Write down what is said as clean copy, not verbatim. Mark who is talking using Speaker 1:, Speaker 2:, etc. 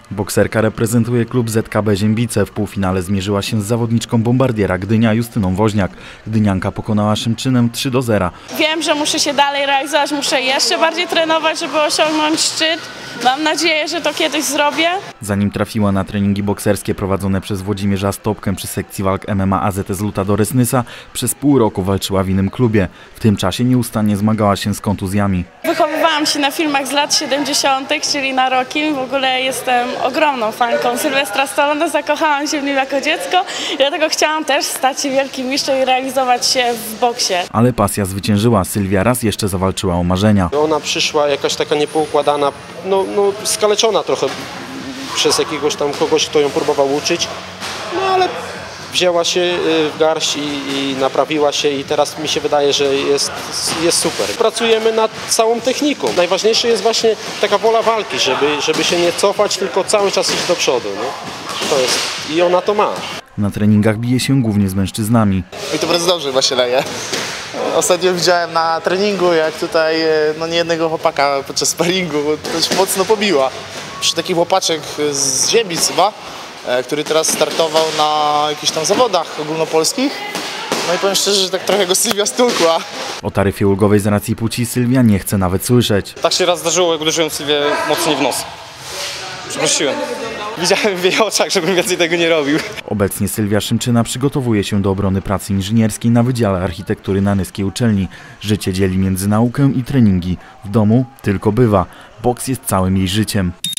Speaker 1: Bokserka reprezentuje klub ZKB Ziembice. W półfinale zmierzyła się z zawodniczką Bombardiera Gdynia Justyną Woźniak. Gdynianka pokonała Szymczynem 3-0.
Speaker 2: Wiem, że muszę się dalej realizować, muszę jeszcze bardziej trenować, żeby osiągnąć szczyt. Mam nadzieję, że to kiedyś zrobię.
Speaker 1: Zanim trafiła na treningi bokserskie prowadzone przez Włodzimierza Stopkę przy sekcji walk MMA AZS Lutadores Nysa, przez pół roku walczyła w innym klubie. W tym czasie nieustannie zmagała się z kontuzjami.
Speaker 2: Wychowywałam się na filmach z lat 70., czyli na Rockim. W ogóle jestem ogromną fanką Sylwestra Stallone, zakochałam się w nim jako dziecko i dlatego chciałam też stać się wielkim mistrzem i realizować się w boksie.
Speaker 1: Ale pasja zwyciężyła. Sylwia raz jeszcze zawalczyła o marzenia.
Speaker 3: Ona przyszła jakaś taka niepoukładana, skaleczona trochę przez jakiegoś tam kogoś, kto ją próbował uczyć, ale wzięła się w garść i naprawiła się i teraz mi się wydaje, że jest super. Pracujemy nad całą techniką. Najważniejsze jest właśnie taka wola walki, żeby się nie cofać, tylko cały czas iść do przodu. Nie? To jest, i ona to ma.
Speaker 1: Na treningach bije się głównie z mężczyznami.
Speaker 4: I to bardzo dobrze chyba się leje. Ostatnio widziałem na treningu, jak tutaj niejednego chłopaka podczas sparingu dość mocno pobiła. Przy taki chłopaczek z Ziembic chyba, który teraz startował na jakichś tam zawodach ogólnopolskich. No i powiem szczerze, że tak trochę go Sylwia stukła.
Speaker 1: O taryfie ulgowej z racji płci Sylwia nie chce nawet słyszeć.
Speaker 5: Tak się raz zdarzyło, jak uderzyłem Sylwię mocniej w nos. Przeprosiłem. Widziałem w jej oczach, żebym więcej tego nie robił.
Speaker 1: Obecnie Sylwia Szymczyna przygotowuje się do obrony pracy inżynierskiej na Wydziale Architektury na Nyskiej Uczelni. Życie dzieli między naukę i treningi. W domu tylko bywa. Boks jest całym jej życiem.